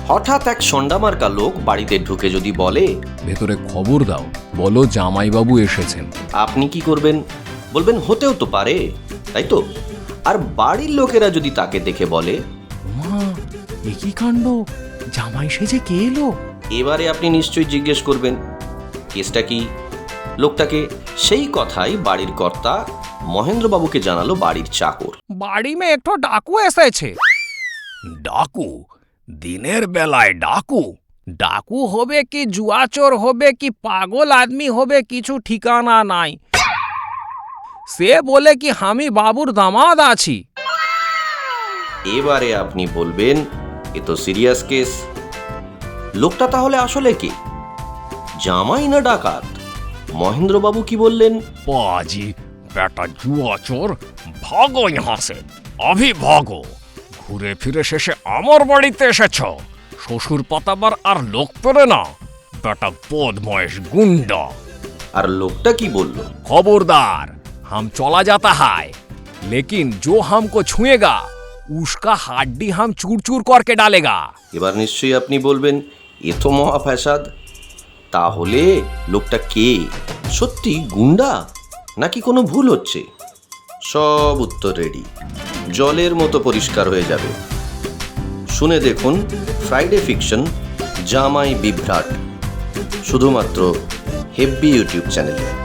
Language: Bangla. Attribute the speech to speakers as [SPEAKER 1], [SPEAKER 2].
[SPEAKER 1] হঠাৎ এক সন্ডামার্কা লোক বাড়িতে ঢুকে যদি বলে,
[SPEAKER 2] ভেতরে খবর দাও, বলো জামাইবাবু এসেছেন,
[SPEAKER 1] আপনি কি করবেন? বলবেন হতেও তো পারে, তাই তো? আর বাড়ির লোকেরা যদি তাকে দেখে বলে,
[SPEAKER 2] মা একই কাণ্ড, জামাই সেজে কে এলো?
[SPEAKER 1] এবারে আপনি নিশ্চয়ই জিজ্ঞেস করবেন কেসটা কি, লোকটাকে। সেই কথাই বাড়ির কর্তা মহেন্দ্রবাবুকে জানালো বাড়ির চাকর।
[SPEAKER 2] বাড়ি মে একটু ডাকু এসেছে। ডাকু? দিনের বেলায় ডাকু? ডাকু হবে কি জুয়াচোর হবে কি পাগল আদমি হবে কিছু ঠিকানা নাই। সে বলে কি আমি বাবুর দামাদ আছি।
[SPEAKER 1] এবারে আপনি বলবেন এ তো সিরিয়াস কেস। লোকটা তাহলে আসলে কি, জামাই না ডাকাত? মহেন্দ্রবাবু কি বললেন?
[SPEAKER 2] পাজি বেটা জুয়াচোর, ভাগো ইহাঁ সে, অভি ভাগো। ঘুরে ফিরে শেষে আমার বাড়িতে এসেছ, শ্বশুর পাতাবার আর লোক পেরে না, বেটা বদমাইশ গুন্ডা।
[SPEAKER 1] আর লোকটা কি বলল?
[SPEAKER 2] खबरदार, हम चला जाता है, लेकिन जो हमको छुएगा उसका हड्डी हम चूर चूर करके डालेगा।
[SPEAKER 1] এবার নিশ্চয়ই আপনি বলবেন এ তো মহা ফ্যাসাদ। তাহলে লোকটা কে? সত্যি গুন্ডা নাকি কোনো ভুল হচ্ছে? সব উত্তর রেডি, জলের মতো পরিষ্কার হয়ে যাবে। শুনে দেখুন ফ্রাইডে ফিকশন জামাই বিভ্রাট, শুধুমাত্র হেব্বি ইউটিউব চ্যানেলে।